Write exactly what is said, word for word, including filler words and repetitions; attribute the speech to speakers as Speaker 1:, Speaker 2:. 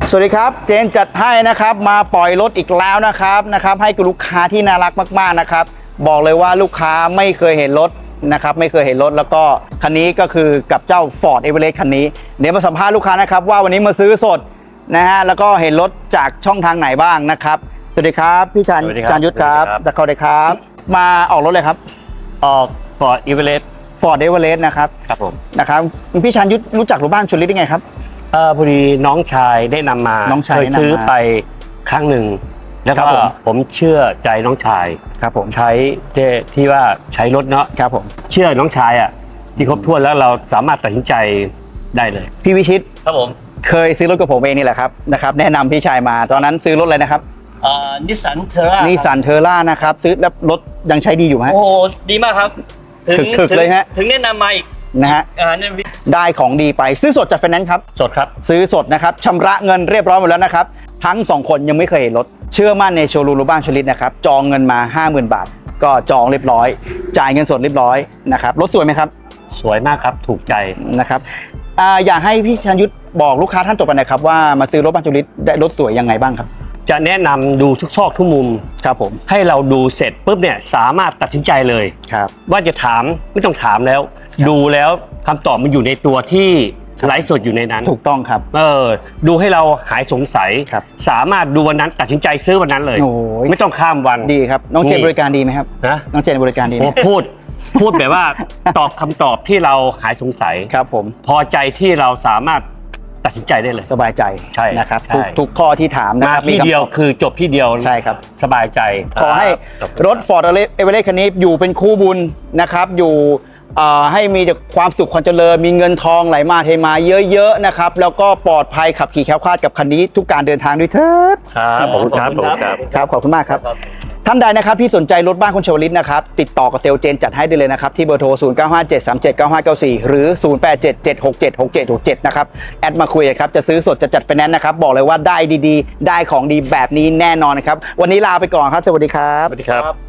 Speaker 1: สวัสดีครับเจนจัดให้นะครับมาปล่อยรถอีกแล้วนะครับนะครับให้กับลูกค้าที่น่ารักมากๆนะครับบอกเลยว่าลูกค้าไม่เคยเห็นรถนะครับไม่เคยเห็นรถแล้วก็คันนี้ก็คือกับเจ้า Ford Everest คันนี้เดี๋ยวมาสัมภาษณ์ลูกค้านะครับว่าวันนี้มาซื้อสดนะฮะแล้วก็เห็นรถจากช่องทางไหนบ้างนะครับสวัสดีครับพี่ชันจานยุทธครับตะเขาเลยครับมาออกรถเลยครับ
Speaker 2: ออก Ford Everest
Speaker 1: Ford Everest นะครับ
Speaker 2: ครับผม
Speaker 1: นะครับพี่ชันยุทธรู้จักรถบ้านชลฤทธิ์ได้ไงครับ
Speaker 2: เออพอดีน้องชายได้นำมา
Speaker 1: น้องชาย
Speaker 2: เคยซื้อไปครั้งหนึ่งแล้วก็ผมเชื่อใจน้องชาย
Speaker 1: ครับผม
Speaker 2: ใช้ที่ว่าใช้รถเนาะ
Speaker 1: ครับผม
Speaker 2: เชื่อน้องชายอ่ะที่ครบถ้วนแล้วเราสามารถตัดสินใจได้เลย
Speaker 1: พี่วิชิต
Speaker 2: ครับผม
Speaker 1: เคยซื้อรถกับผมเองนี่แหละครับนะครับแนะนำพี่ชายมาตอนนั้นซื้อรถอะไรนะครับ
Speaker 2: อ่านิสสันเทอร่า
Speaker 1: นิสสันเทอร่านะครับซื้อแล้วรถยังใช้ดีอยู่ไหม
Speaker 2: โอ้ดีมากครับ
Speaker 1: ถึงถึกเลยฮะ
Speaker 2: ถึงแนะนำมาอีก
Speaker 1: นะฮะได้ของดีไปซื้อสดจากไฟแนนซ์ครับ
Speaker 2: สดครับ
Speaker 1: ซื้อสดนะครับชำระเงินเรียบร้อยหมดแล้วนะครับทั้งสองคนยังไม่เคยเห็นรถเชื่อมั่นในโชว์รูมรถบ้านชลฤทธิ์นะครับจองเงินมา ห้าหมื่น บาทก็จองเรียบร้อยจ่ายเงินสดเรียบร้อยนะครับรถสวยไหมครับ
Speaker 2: สวยมากครับถูกใจ
Speaker 1: นะครับอ่าอยากให้พี่ชันยุทธบอกลูกค้าท่านต่อไปนะครับว่ามาซื้อรถบ้านชลฤทธิ์ได้รถสวยยังไงบ้างครับ
Speaker 2: จะแนะนำดูทุกซอกทุกมุม
Speaker 1: ครับผม
Speaker 2: ให้เราดูเสร็จปุ๊บเนี่ยสามารถตัดสินใจเลย
Speaker 1: ครับ
Speaker 2: ว่าจะถามไม่ต้องถามแล้วดูแล้วคำตอบมันอยู่ในตัวที่ไลฟ์สดอยู่ในนั้น
Speaker 1: ถูกต้องครับ
Speaker 2: เออดูให้เราหายสงสัยสามารถดูวันนั้นตัดสินใจซื้อวันนั้นเลยไม่ต้องข้ามวัน
Speaker 1: ดีครับน้องเจนบริการดีไหมครับ
Speaker 2: นะ
Speaker 1: น้องเจนบริการดีไหม
Speaker 2: พูดพูดแบบว่าตอบคำตอบที่เราหายสงสัย
Speaker 1: ครับผม
Speaker 2: พอใจที่เราสามารถตัดสินใจได้เลย
Speaker 1: สบายใจ
Speaker 2: ใช่
Speaker 1: นะครับทุกทุกข้อที่ถาม
Speaker 2: มาที่เดียวคือจบที่เดียว
Speaker 1: ใช่ครับ
Speaker 2: สบายใจ
Speaker 1: ขอให้รถ Ford Everest คันนี้อยู่เป็นคู่บุญนะครับอยู่ให้มีแต่ความสุขความเจริญมีเงินทองไหลมาเทมาเยอะๆนะครับแล้วก็ปลอดภัยขับขี่แคล้วคลาดกับคันนี้ทุกการเดินทางด้วยเถิด
Speaker 2: ครับขอบคุณครับ
Speaker 1: ครับขอบคุณมากครับท่านใดนะครับที่สนใจรถบ้านคุณชวลิตนะครับติดต่อกับเซลเจนจัดให้ได้เลยนะครับที่เบอร์โทรศูนย์ เก้า ห้า เจ็ด สาม เจ็ด เก้า ห้า เก้า สี่หรือศูนย์ แปด เจ็ด เจ็ด หก เจ็ด หก เจ็ด หก เจ็ดนะครับแอดมาคุยครับจะซื้อสดจะจัดไฟแนนซ์นะครับบอกเลยว่าได้ดีๆได้ของดีแบบนี้แน่นอนนะครับวันนี้ลาไปก่อนครับสวัสดีครับ
Speaker 2: สวัสดีครับ